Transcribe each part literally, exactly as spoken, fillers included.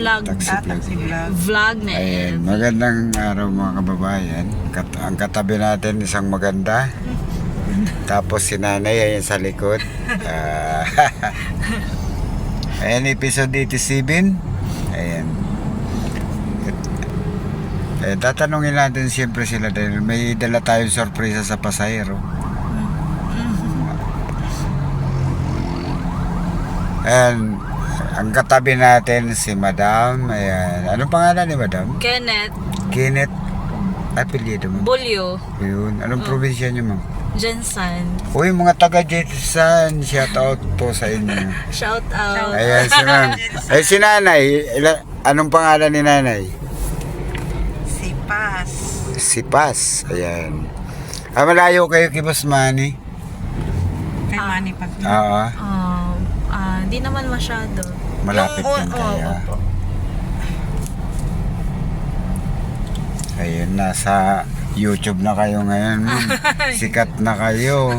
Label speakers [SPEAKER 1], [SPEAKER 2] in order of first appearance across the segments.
[SPEAKER 1] vlog.
[SPEAKER 2] Taxi
[SPEAKER 3] Ah,
[SPEAKER 2] vlog.
[SPEAKER 3] taxi vlog.
[SPEAKER 1] Vlog na
[SPEAKER 2] Ayan,
[SPEAKER 1] yan.
[SPEAKER 2] magandang araw mga kababayan. Kat ang katabi natin isang maganda. Tapos si nanay ayan sa likod. Ah, ayan, episode eighty-seven. Ayan. Eh, tatanungin natin siyempre sila dahil may dala tayong sorpresa sa pasahero. Ayan, ang katabi natin si Madam. Ayan, anong pangalan ni Madam?
[SPEAKER 1] Kenneth
[SPEAKER 2] Kenneth. Apelyido mo?
[SPEAKER 1] Bulyo
[SPEAKER 2] Yun. Anong probinsya niyo, ma'am?
[SPEAKER 1] Jensen.
[SPEAKER 2] Uy, mga taga Jetson, shout out po sa inyo.
[SPEAKER 1] Shout out.
[SPEAKER 2] Ayan si ma'am. Ay, si nanay. Ila, anong pangalan ni nanay?
[SPEAKER 3] Si Paz.
[SPEAKER 2] Si Paz. Ayan. Ah, malayo kayo kay Boss Manny?
[SPEAKER 3] Kay Manny Pag.
[SPEAKER 2] Oo.
[SPEAKER 1] Um, ah, di naman masyado.
[SPEAKER 2] Malapit
[SPEAKER 1] Yung-
[SPEAKER 2] din
[SPEAKER 1] oo,
[SPEAKER 2] tayo.
[SPEAKER 1] opo.
[SPEAKER 2] Ayun, nasa YouTube na kayo ngayon, ma'am. Sikat na kayo.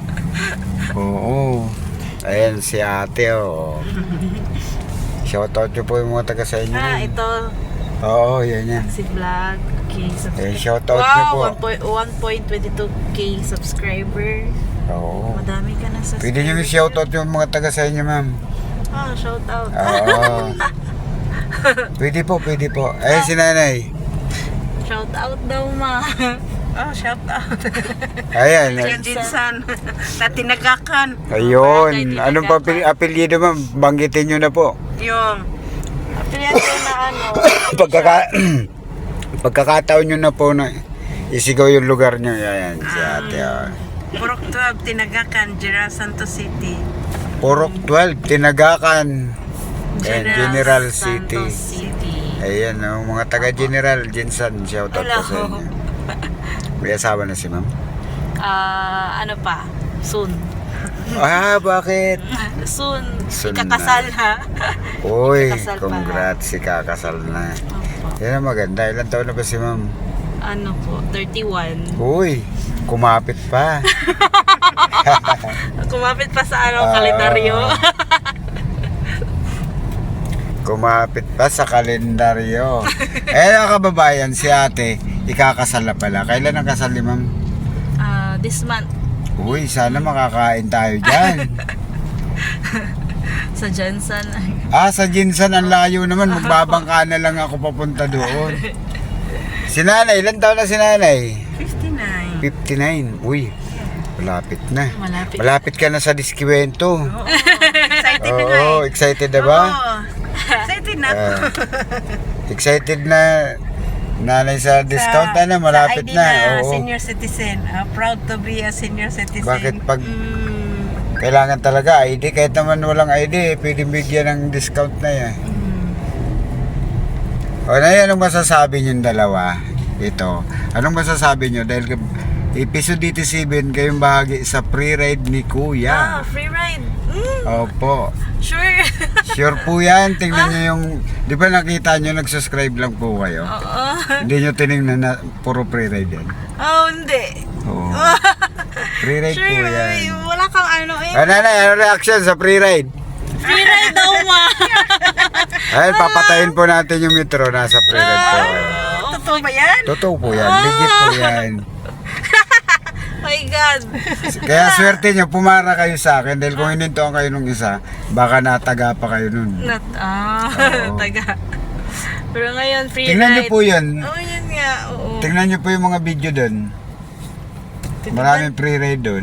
[SPEAKER 2] Oo. Ayan si ate, oh. Shout out nyo po yung mga taga sa inyo.
[SPEAKER 1] Ah,
[SPEAKER 2] ma'am.
[SPEAKER 1] ito
[SPEAKER 2] Oo, yan yan.
[SPEAKER 1] si vlog. Okay,
[SPEAKER 2] Eh, shout out nyo po.
[SPEAKER 1] Wow, one point two two K subscriber.
[SPEAKER 2] Oo.
[SPEAKER 1] Madami ka na subscriber.
[SPEAKER 2] Pwede nyo i-shout out yung mga taga sa inyo, ma'am.
[SPEAKER 1] Ah, shout out.
[SPEAKER 2] Oo. Pwede po, pwede po. Ayun si nanay.
[SPEAKER 1] Shout out daw, ma.
[SPEAKER 3] Oh, shout out.
[SPEAKER 2] Ayan.
[SPEAKER 3] Yan Jinsan. Na tinagakan.
[SPEAKER 2] Ayun. Anong pa apelyido, ma'am? Banggitin nyo na po.
[SPEAKER 3] Yung
[SPEAKER 1] Pilihan ko na ano.
[SPEAKER 2] Pagkaka Pagkakataon nyo na po na isigaw yung lugar nyo. Ayan, si ate. Oh.
[SPEAKER 3] Purok twelve, tinagakan, General Santos City.
[SPEAKER 2] Purok twelve, Tinagakan. Ayan, General City.
[SPEAKER 1] Santos City.
[SPEAKER 2] Ayan, oh, mga taga General Jensen, shout out po sa
[SPEAKER 1] Hello.
[SPEAKER 2] inyo. May asawa na si ma'am?
[SPEAKER 1] Ah, ano pa? Soon.
[SPEAKER 2] Ah, bakit?
[SPEAKER 1] Soon.
[SPEAKER 2] Soon
[SPEAKER 1] Ikakasal ha.
[SPEAKER 2] Uy,
[SPEAKER 1] Kakasal pa.
[SPEAKER 2] congrats, si kakasal na.
[SPEAKER 1] Opo.
[SPEAKER 2] Yan ang maganda. Ilan taon na ba si ma'am?
[SPEAKER 1] Ano po? thirty-one.
[SPEAKER 2] Uy, kumapit pa.
[SPEAKER 1] Kumapit pa sa ano,
[SPEAKER 2] Ah.
[SPEAKER 1] kalendaryo.
[SPEAKER 2] Kumapit pa sa kalendaryo. Eh, mga kababayan, si ate, ikakasal na pala. Kailan ang kasal ni ma'am?
[SPEAKER 1] Ah, this month
[SPEAKER 2] Uy, sana makakain tayo dyan.
[SPEAKER 1] sa Jensen.
[SPEAKER 2] Ah, sa Jinsan, ang layo naman. Magbabangka na lang ako papunta doon. Si nanay, ilan taon na si nanay?
[SPEAKER 3] fifty-nine.
[SPEAKER 2] fifty-nine. Uy, malapit na.
[SPEAKER 1] Malapit.
[SPEAKER 2] Malapit ka na sa Diskiwento.
[SPEAKER 3] Oo. Excited na nga
[SPEAKER 2] Oo,
[SPEAKER 3] eh.
[SPEAKER 2] excited na ba?
[SPEAKER 3] Oo. Excited na.
[SPEAKER 2] Ah, excited na nanay sa discount na, na malapit
[SPEAKER 3] sa I D
[SPEAKER 2] na. Oo.
[SPEAKER 3] senior citizen. Ah, proud to be a senior citizen.
[SPEAKER 2] Bakit pag
[SPEAKER 1] Mm,
[SPEAKER 2] kailangan talaga I D, kahit naman walang I D, pwedeng bigyan ng discount na yan. O na yan, anong masasabi nyo dalawa? Ito, anong masasabi nyo? Dahil episode eighty-seven, kayong bahagi sa pre-ride ni
[SPEAKER 1] ah,
[SPEAKER 2] Kuya.
[SPEAKER 1] free ride. Mm,
[SPEAKER 2] Opo.
[SPEAKER 1] sure.
[SPEAKER 2] Sure po yan. Tingnan nyo yung, di ba nakita nyo, nag-subscribe lang po kayo?
[SPEAKER 1] Oo.
[SPEAKER 2] Hindi nyo tinignan na puro pre-ride yan.
[SPEAKER 1] Oh, hindi.
[SPEAKER 2] Oo. Pre-ride
[SPEAKER 1] Sure,
[SPEAKER 2] po yan.
[SPEAKER 1] ay, wala kang ano eh.
[SPEAKER 2] Ah, nanay, ano reaction sa pre-ride?
[SPEAKER 1] Free ride daw, ma.
[SPEAKER 2] Ay, papatayin po natin yung metro. Nasa pre-ride po kayo.
[SPEAKER 3] Totoo ba yan?
[SPEAKER 2] Totoo po yan. Legit po yan.
[SPEAKER 1] My God.
[SPEAKER 2] Kaya swerte nyo, pumara kayo sa akin. Dahil kung hinintuan kayo nung isa, baka nataga pa kayo nun.
[SPEAKER 1] Not, ah,
[SPEAKER 2] Oo.
[SPEAKER 1] taga. Pero ngayon, free
[SPEAKER 2] Tingnan nyo
[SPEAKER 1] ride.
[SPEAKER 2] po yun.
[SPEAKER 1] Oh, yun nga, oo.
[SPEAKER 2] Tingnan nyo po yung mga video dun. Maraming pre-ride dun.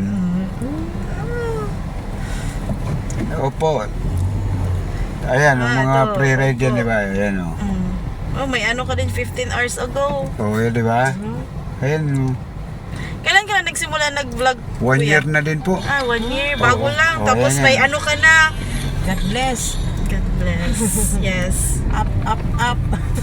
[SPEAKER 2] Opo. Ayan, yung
[SPEAKER 1] Ah,
[SPEAKER 2] mga
[SPEAKER 1] ito.
[SPEAKER 2] pre-ride yan,
[SPEAKER 1] Opo.
[SPEAKER 2] di ba? Ayan, o.
[SPEAKER 1] Mm. Oh, may ano ka din fifteen hours ago.
[SPEAKER 2] Oo, yun, di ba? Ayan, o.
[SPEAKER 1] Kailan ka na nagsimula nag-vlog?
[SPEAKER 2] One
[SPEAKER 1] kuya?
[SPEAKER 2] year na din po.
[SPEAKER 1] Ah, one year. Bago
[SPEAKER 2] Oo.
[SPEAKER 1] lang.
[SPEAKER 2] Oo,
[SPEAKER 1] Tapos
[SPEAKER 2] yan,
[SPEAKER 1] may
[SPEAKER 2] yan.
[SPEAKER 1] ano ka na.
[SPEAKER 3] God bless.
[SPEAKER 1] God bless. Yes.
[SPEAKER 3] Up, up, up.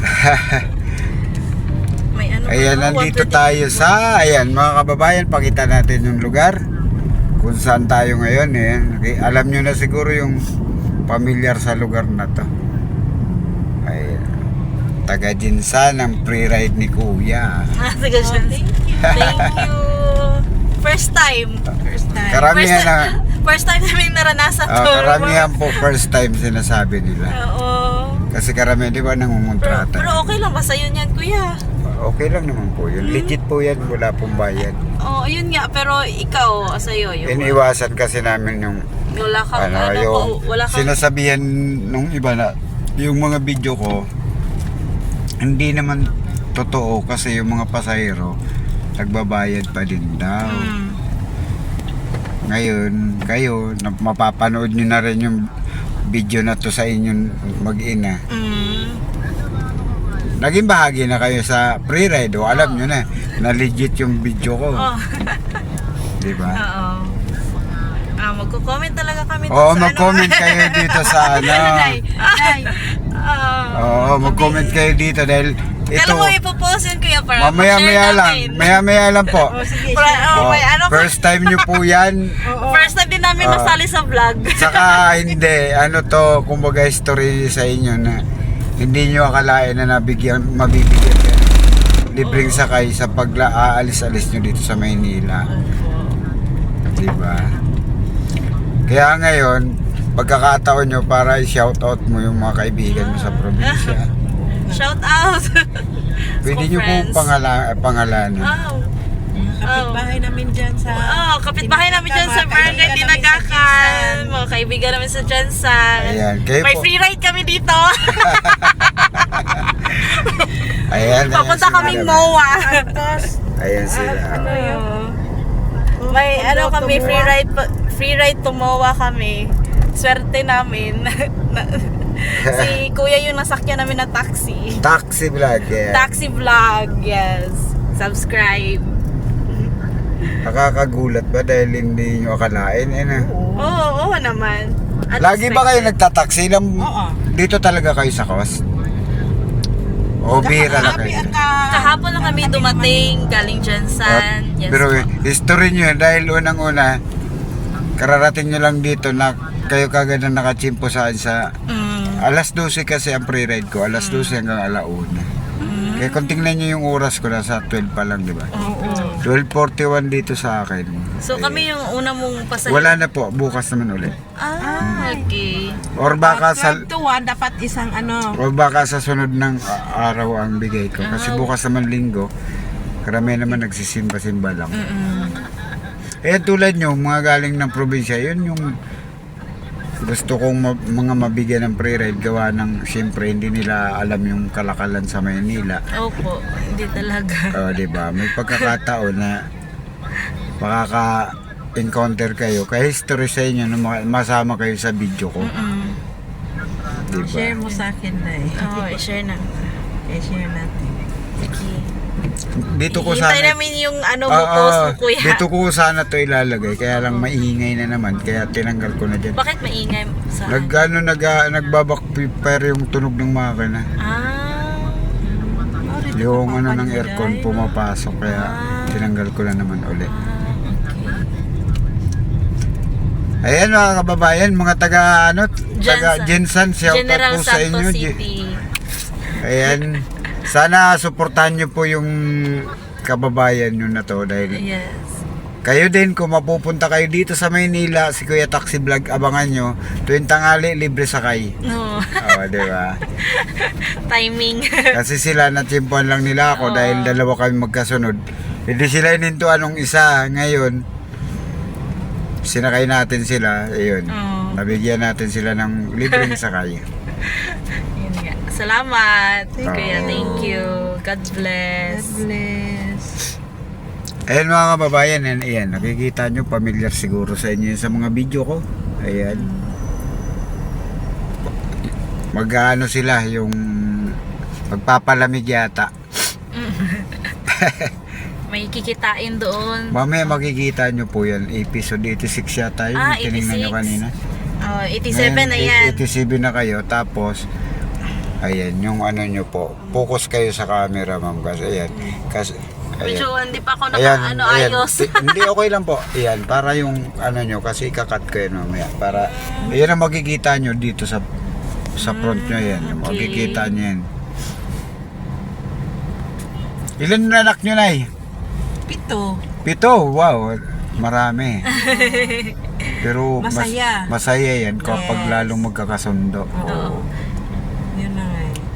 [SPEAKER 1] May ano ka
[SPEAKER 2] Ayan,
[SPEAKER 1] na,
[SPEAKER 2] nandito
[SPEAKER 1] one twenty.
[SPEAKER 2] tayo sa, ayan, mga kababayan, pakita natin yung lugar. Kung saan tayo ngayon, eh. Okay, alam nyo na siguro yung pamilyar sa lugar na to. Ayan. Taga Jinsan ang pre-ride ni Kuya.
[SPEAKER 1] Ah, sige,
[SPEAKER 3] Oh,
[SPEAKER 1] Shan.
[SPEAKER 3] thank you.
[SPEAKER 1] Thank you. First time.
[SPEAKER 3] First time.
[SPEAKER 2] Karamihan
[SPEAKER 1] first,
[SPEAKER 2] na,
[SPEAKER 1] first time namin naranasan
[SPEAKER 2] ah,
[SPEAKER 1] to.
[SPEAKER 2] karamihan po first time sinasabi nila.
[SPEAKER 1] Oo.
[SPEAKER 2] Kasi karamihan, di ba,
[SPEAKER 1] Pero,
[SPEAKER 2] nangungontrata.
[SPEAKER 1] pero okay lang ba sa'yo niyan, kuya?
[SPEAKER 2] Okay lang naman po yun. Legit po yan, wala pong bayad.
[SPEAKER 1] Oo, oh, yun nga. Pero ikaw, sa'yo, yung
[SPEAKER 2] Iniwasan kasi namin yung,
[SPEAKER 1] wala kang,
[SPEAKER 2] ano,
[SPEAKER 1] ano,
[SPEAKER 2] yung
[SPEAKER 1] ko- wala kang,
[SPEAKER 2] sinasabihan nung iba na, yung mga video ko, hindi naman totoo kasi yung mga pasahero, nagbabayad pa din daw.
[SPEAKER 1] Mm.
[SPEAKER 2] Ngayon, kayo, na- mapapanood nyo na rin yung video na to sa inyong mag-ina.
[SPEAKER 1] Mm.
[SPEAKER 2] Naging bahagi na kayo sa pre-ride o alam nyo na, na legit yung video ko.
[SPEAKER 1] Oh.
[SPEAKER 2] Di ba?
[SPEAKER 1] Oo. Ah, magko-comment talaga kami dun
[SPEAKER 2] Oo,
[SPEAKER 1] sa
[SPEAKER 2] mag-comment
[SPEAKER 1] ano.
[SPEAKER 2] kayo dito sa ano.
[SPEAKER 1] Nay, nay. Oo.
[SPEAKER 2] Oo, mag-comment kayo dito dahil ito,
[SPEAKER 1] Kala mo ipopost yun, kuya, para
[SPEAKER 2] mamaya-maya
[SPEAKER 1] ma-share
[SPEAKER 2] lang,
[SPEAKER 1] namin.
[SPEAKER 2] maya-maya lang po.
[SPEAKER 1] Para, oh,
[SPEAKER 2] Oh,
[SPEAKER 1] may ano,
[SPEAKER 2] first time nyo po yan.
[SPEAKER 1] first time din namin
[SPEAKER 2] Oo.
[SPEAKER 1] nasali sa vlog.
[SPEAKER 2] Saka hindi, ano to, kumbaga history sa inyo na hindi nyo akalain na nabigyan, mabibigyan kayo. Libreng sakay sa pag-aalis-alis nyo dito sa Maynila. Diba? Kaya ngayon, pagkakataon nyo para i-shoutout mo yung mga kaibigan mo sa probinsya.
[SPEAKER 1] Shout out.
[SPEAKER 2] Pwede
[SPEAKER 1] School
[SPEAKER 2] nyo po
[SPEAKER 1] friends.
[SPEAKER 2] pangala, pangalanan.
[SPEAKER 1] Oh.
[SPEAKER 3] Kapitbahay namin dyan sa...
[SPEAKER 1] Oh, kapitbahay namin dyan sa barangay
[SPEAKER 3] Kaibigan namin sa
[SPEAKER 1] Tinagakan.
[SPEAKER 3] Jensan.
[SPEAKER 1] Mga kaibigan namin sa Jensan.
[SPEAKER 2] Ayan, kayo
[SPEAKER 1] May
[SPEAKER 2] po.
[SPEAKER 1] free ride kami dito.
[SPEAKER 2] Ayan, ayan
[SPEAKER 1] Papunta
[SPEAKER 2] sila.
[SPEAKER 1] kaming M O A.
[SPEAKER 2] Ayan sila.
[SPEAKER 1] May ano kami, free ride pa- free ride to M O A kami. Swerte namin. Si kuya yung nasakyan namin na taxi.
[SPEAKER 2] Taxi vlog, yeah.
[SPEAKER 1] Taxi vlog, yes. Subscribe.
[SPEAKER 2] Nakakagulat ba dahil hindi nyo akalain? Eh, na.
[SPEAKER 1] Oo, oo naman.
[SPEAKER 2] Lagi ba kayo nagtataksi lang?
[SPEAKER 3] Oo.
[SPEAKER 2] Dito talaga kayo sa coast? O bira lang kayo?
[SPEAKER 1] Kahapon lang kami dumating, galing Jensan. Yes,
[SPEAKER 2] Pero
[SPEAKER 1] po.
[SPEAKER 2] history nyo yun, dahil unang-una, kararating nyo lang dito na kayo kagad na nakachimpo saan sa
[SPEAKER 1] Mm.
[SPEAKER 2] alas dose kasi ang pre-ride ko, alas dose hanggang alauna. Kaya kung tingnan nyo yung oras ko, nasa twelve pa lang, di ba?
[SPEAKER 1] Oo.
[SPEAKER 2] twelve forty-one dito sa akin.
[SPEAKER 1] So kami yung una mong pasahero.
[SPEAKER 2] Wala na po, bukas naman ulit.
[SPEAKER 1] Ah, okay.
[SPEAKER 2] Or baka sa
[SPEAKER 3] twelve to one, dapat isang ano...
[SPEAKER 2] o baka sa sunod ng a- araw ang bigay ko. Kasi bukas naman linggo, karami naman nagsisimba-simba lang.
[SPEAKER 1] Mm.
[SPEAKER 2] Eh tulad nyo, mga galing ng probinsya, yun yung gusto kong ma- mga mabigyan ng pre-ride gawa ng siyempre hindi nila alam yung kalakalan sa Maynila.
[SPEAKER 1] Opo, hindi talaga.
[SPEAKER 2] O, di ba? May pagkakataon na makaka-encounter kayo. Kaya history sa inyo na ma- masama kayo sa video ko.
[SPEAKER 1] Mm.
[SPEAKER 2] Di ba?
[SPEAKER 3] Share mo sa akin na eh.
[SPEAKER 1] Oo, i-share na.
[SPEAKER 3] I-share natin.
[SPEAKER 1] Sige.
[SPEAKER 2] Dito ko
[SPEAKER 1] Hintay
[SPEAKER 2] sana
[SPEAKER 1] namin yung ano mo,
[SPEAKER 2] Ah,
[SPEAKER 1] post
[SPEAKER 2] ah,
[SPEAKER 1] mo, kuya.
[SPEAKER 2] dito ko sana to ilalagay. Kaya lang maingay na naman. Kaya tinanggal ko na dyan.
[SPEAKER 1] Bakit maingay sa...
[SPEAKER 2] Nag, ano, nag, ah, nagbabackfire yung tunog ng makina.
[SPEAKER 1] Ah.
[SPEAKER 2] Yung ano ng aircon pumapasok. Kaya
[SPEAKER 1] Ah.
[SPEAKER 2] tinanggal ko na naman ulit.
[SPEAKER 1] Ah, okay.
[SPEAKER 2] Ayan mga kababayan, mga taga ano, taga Jensan, shout out
[SPEAKER 1] General
[SPEAKER 2] po sa
[SPEAKER 1] Santos
[SPEAKER 2] inyo.
[SPEAKER 1] City.
[SPEAKER 2] Ayan, sana suportahan nyo po yung kababayan nyo na to dahil
[SPEAKER 1] Yes.
[SPEAKER 2] kayo din kung mapupunta kayo dito sa Maynila, si Kuya Taxi Vlog, abangan nyo, tuwing tanghali, libre sakay.
[SPEAKER 1] No.
[SPEAKER 2] Oo, di ba?
[SPEAKER 1] Timing.
[SPEAKER 2] Kasi sila natsimpuan lang nila ako
[SPEAKER 1] Oo.
[SPEAKER 2] dahil dalawa kami magkasunod. Hindi sila inintuan nung isa. Ngayon, sinakay natin sila. Ayun.
[SPEAKER 1] Oo.
[SPEAKER 2] Nabigyan natin sila ng libreng sakay.
[SPEAKER 1] Yun nga. Salamat. Kuya,
[SPEAKER 2] Oo.
[SPEAKER 1] thank you. God bless.
[SPEAKER 3] God bless.
[SPEAKER 2] Ayan mga kababayan, ayan, ayan, nakikita nyo, familiar siguro sa inyo yun sa mga video ko. Ayan. Mag-ano sila, yung magpapalamig yata.
[SPEAKER 1] May kikitain doon.
[SPEAKER 2] Mamaya makikita nyo po yan, episode eighty-six yata yun,
[SPEAKER 1] Ah,
[SPEAKER 2] tinignan nyo
[SPEAKER 1] eighty-six.
[SPEAKER 2] kanina.
[SPEAKER 1] Oh, eighty-seven na
[SPEAKER 2] Ngayon,
[SPEAKER 1] yan.
[SPEAKER 2] eighty-seven na kayo, tapos, ayan, yung ano nyo po, focus kayo sa camera ma'am, kasi ayan, kasi,
[SPEAKER 1] Medyo
[SPEAKER 2] ayan.
[SPEAKER 1] hindi pa ako naka,
[SPEAKER 2] Ayan,
[SPEAKER 1] ano,
[SPEAKER 2] ayan.
[SPEAKER 1] ayos.
[SPEAKER 2] Ti- Hindi, okay lang po. Ayan, para yung ano nyo, kasi ikakat ko yan mamaya. Para, ayan ang makikita nyo dito sa sa front nyo yan.
[SPEAKER 1] okay.
[SPEAKER 2] Makikita nyo yan. Ilan na anak nyo, Nay?
[SPEAKER 3] Pito.
[SPEAKER 2] Pito, wow. Marami. Pero mas-
[SPEAKER 3] Masaya.
[SPEAKER 2] masaya yan kapag
[SPEAKER 3] Yes.
[SPEAKER 2] lalong magkakasundo.
[SPEAKER 3] Oo. Yun na nga.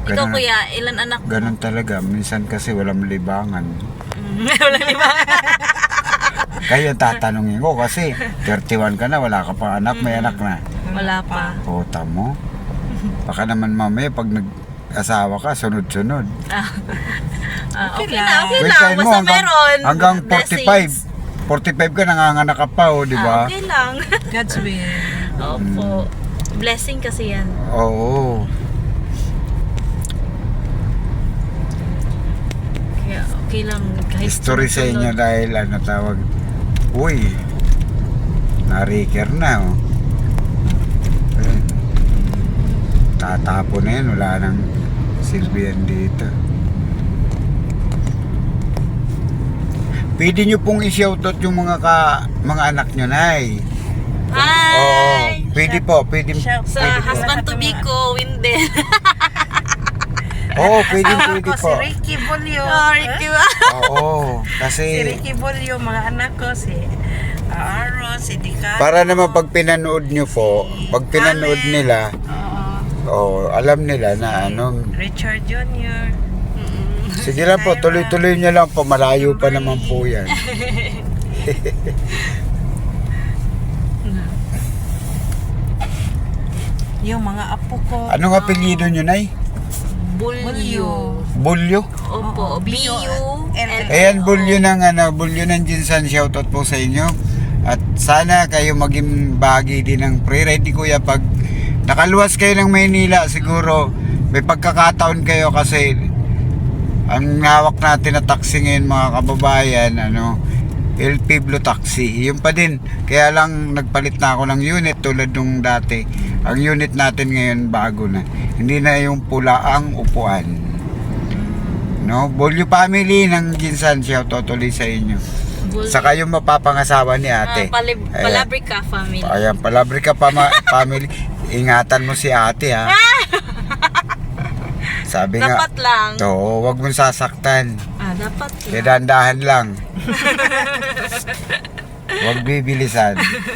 [SPEAKER 1] Ikaw
[SPEAKER 2] Ganun-
[SPEAKER 1] kuya, ilan anak mo?
[SPEAKER 2] Ganun talaga. Minsan kasi walang libangan.
[SPEAKER 1] Mm, Wala lima.
[SPEAKER 2] Kaya tatanungin ko kasi thirty-one ka na, wala ka pa anak, may anak na.
[SPEAKER 1] Wala pa.
[SPEAKER 2] Puta mo. Baka naman mamaya pag nag-asawa ka, sunod-sunod.
[SPEAKER 1] Ah, ah, okay,
[SPEAKER 3] Okay
[SPEAKER 1] na,
[SPEAKER 3] lang.
[SPEAKER 1] okay
[SPEAKER 2] Wait,
[SPEAKER 1] lang.
[SPEAKER 2] kain mo,
[SPEAKER 1] Basta
[SPEAKER 2] hanggang,
[SPEAKER 1] meron.
[SPEAKER 2] hanggang forty-five.
[SPEAKER 1] Blessings.
[SPEAKER 2] forty-five ka, nanganganak ka pa, oh, di
[SPEAKER 1] Ah,
[SPEAKER 2] ba?
[SPEAKER 1] okay lang.
[SPEAKER 3] God's will.
[SPEAKER 1] Opo. Blessing kasi yan.
[SPEAKER 2] Oo.
[SPEAKER 1] Kaya okay lang. Kahit
[SPEAKER 2] History sa inyo
[SPEAKER 1] sunod-sunod.
[SPEAKER 2] dahil ano tawag, uy, na-reker na, oh. Ayun. Tatapo na yan, wala nang silbihan dito. Pwede nyo pong i-shoutout yung mga ka, mga anak nyo, Nay.
[SPEAKER 1] Hi!
[SPEAKER 2] Oo, pwede po, pwede,
[SPEAKER 3] Shout-
[SPEAKER 1] Sa
[SPEAKER 2] pwede po.
[SPEAKER 1] husband to be ko, Windel.
[SPEAKER 2] Oo, pwede,
[SPEAKER 3] Asawa
[SPEAKER 2] pwede
[SPEAKER 3] ko
[SPEAKER 2] po.
[SPEAKER 3] si Ricky Bolio.
[SPEAKER 1] Oh, Ricky ba?
[SPEAKER 2] Oo,
[SPEAKER 3] Si
[SPEAKER 2] kasi
[SPEAKER 3] Ricky Bolio, mga anak ko, si Aaron, si Dicano.
[SPEAKER 2] para naman pag pinanood nyo po, pag pinanood nila,
[SPEAKER 3] Oo.
[SPEAKER 2] oh, alam nila na ano,
[SPEAKER 3] Richard Junior
[SPEAKER 2] sige lang po, tuloy-tuloy nyo lang po, malayo pa naman po yan.
[SPEAKER 3] Yung mga apo ko.
[SPEAKER 2] Anong apelyido nyo, Nay?
[SPEAKER 1] Bulyo.
[SPEAKER 2] Bulyo?
[SPEAKER 1] Opo,
[SPEAKER 3] Oo,
[SPEAKER 1] B U L O.
[SPEAKER 2] Ayan, bulyo ng ano, bulyo ng Jinsan, shoutout po sa inyo. At sana kayo maging bahagi din ng pre-ride ni Kuya pag nakaluwas kayo ng Maynila, siguro may pagkakataon kayo kasi ang hawak natin na taxi ngayon mga kababayan, ano, El Pueblo Taxi. Yun pa din. Kaya lang nagpalit na ako ng unit tulad nung dati. Ang unit natin ngayon bago na. Hindi na yung pula ang upuan. No, Bolyo family ng Jinsan, shoutout ulit sa inyo.
[SPEAKER 1] Bulyo.
[SPEAKER 2] Saka yung mapapangasawa ni ate.
[SPEAKER 1] Ah, palib-
[SPEAKER 2] Ayan.
[SPEAKER 1] Palabrica family.
[SPEAKER 2] Ayan, Palabrica pama- family. Ingatan mo si ate, ha. Sabi nga,
[SPEAKER 1] Dapat lang.
[SPEAKER 2] to, wag mong sasaktan.
[SPEAKER 1] Ah, dapat
[SPEAKER 2] Kaya
[SPEAKER 1] lang.
[SPEAKER 2] dahan-dahan lang. Huwag bibilisan.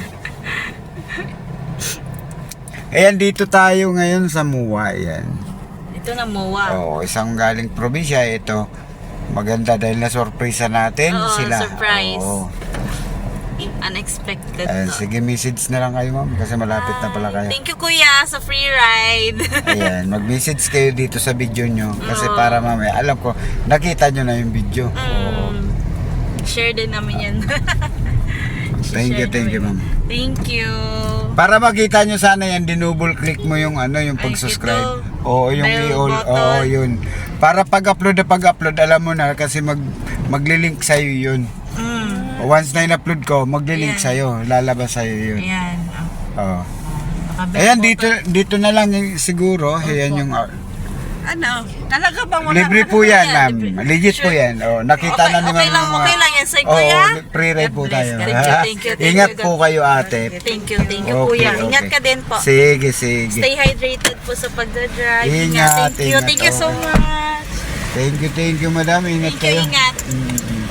[SPEAKER 2] Ayan, dito tayo ngayon sa Muwa. Ayan.
[SPEAKER 1] Ito na Moa.
[SPEAKER 2] Oo, isang galing probinsya. Ito, maganda dahil na-surpresa natin
[SPEAKER 1] Oo,
[SPEAKER 2] sila.
[SPEAKER 1] surprise.
[SPEAKER 2] Oo.
[SPEAKER 1] Unexpected
[SPEAKER 2] Ayan,
[SPEAKER 1] to.
[SPEAKER 2] sige, message na lang kayo, ma'am. Kasi malapit na pala kayo.
[SPEAKER 1] Thank you kuya sa free ride.
[SPEAKER 2] Ayan, mag-message kayo dito sa video nyo. Kasi
[SPEAKER 1] Oo.
[SPEAKER 2] para mamaya, alam ko, nakita nyo na yung video. Oo.
[SPEAKER 1] Mm. Share din namin yan.
[SPEAKER 2] Thank you,
[SPEAKER 1] Share
[SPEAKER 2] thank you,
[SPEAKER 1] namin.
[SPEAKER 2] ma'am.
[SPEAKER 1] Thank you.
[SPEAKER 2] Para makita nyo sana yan, dinouble click mo yung ano, yung
[SPEAKER 1] Ay,
[SPEAKER 2] pag-subscribe.
[SPEAKER 1] ito.
[SPEAKER 2] Oo, yung
[SPEAKER 1] Bell
[SPEAKER 2] i-all.
[SPEAKER 1] button.
[SPEAKER 2] Oo, yun. Para pag-upload na pag-upload, alam mo na kasi mag maglilink sa'yo yun.
[SPEAKER 1] Mm.
[SPEAKER 2] Once na in-upload ko, maglilink
[SPEAKER 1] Ayan.
[SPEAKER 2] sa'yo. Lalabas sa'yo yun.
[SPEAKER 1] Ayan.
[SPEAKER 2] Oo.
[SPEAKER 1] Nakabell
[SPEAKER 2] Ayan,
[SPEAKER 1] button.
[SPEAKER 2] dito dito na lang yung- siguro. Ayan yung... uh,
[SPEAKER 3] Ano? Talaga bang wala?
[SPEAKER 2] libre po yan, ma'am.
[SPEAKER 1] libre.
[SPEAKER 2] Legit po
[SPEAKER 1] Sure.
[SPEAKER 2] yan. Oh, nakita
[SPEAKER 1] Okay,
[SPEAKER 2] na ni
[SPEAKER 1] okay
[SPEAKER 2] ma'am
[SPEAKER 1] lang,
[SPEAKER 2] yung mga...
[SPEAKER 1] okay lang yan sa'yo,
[SPEAKER 2] Oo,
[SPEAKER 1] kuya.
[SPEAKER 2] pre-ride po
[SPEAKER 3] God bless.
[SPEAKER 2] tayo.
[SPEAKER 1] Thank you, thank you, thank
[SPEAKER 2] Ingat
[SPEAKER 1] you.
[SPEAKER 2] po kayo, ate.
[SPEAKER 1] Thank you, thank you
[SPEAKER 2] Okay,
[SPEAKER 1] kuya.
[SPEAKER 2] okay.
[SPEAKER 1] Ingat ka din po.
[SPEAKER 2] Sige, sige.
[SPEAKER 1] Stay hydrated po sa pagdadrive.
[SPEAKER 2] Ingat,
[SPEAKER 1] Thank you,
[SPEAKER 2] ingat,
[SPEAKER 1] thank you so
[SPEAKER 2] okay.
[SPEAKER 1] much.
[SPEAKER 2] Thank you, thank you, madam. Ingat
[SPEAKER 1] Thank you,
[SPEAKER 2] kayo.
[SPEAKER 1] ingat.
[SPEAKER 2] Mm.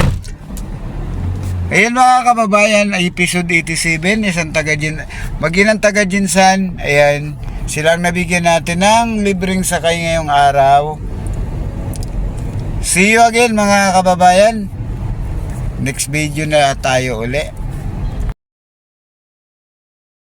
[SPEAKER 2] Ayan mga kababayan, episode eighty-seven, isang taga Jin, maginang taga Jinsan. Ayan, silang nabigyan natin ng libreng sakay ngayong araw. See you again mga kababayan. Next video na tayo uli.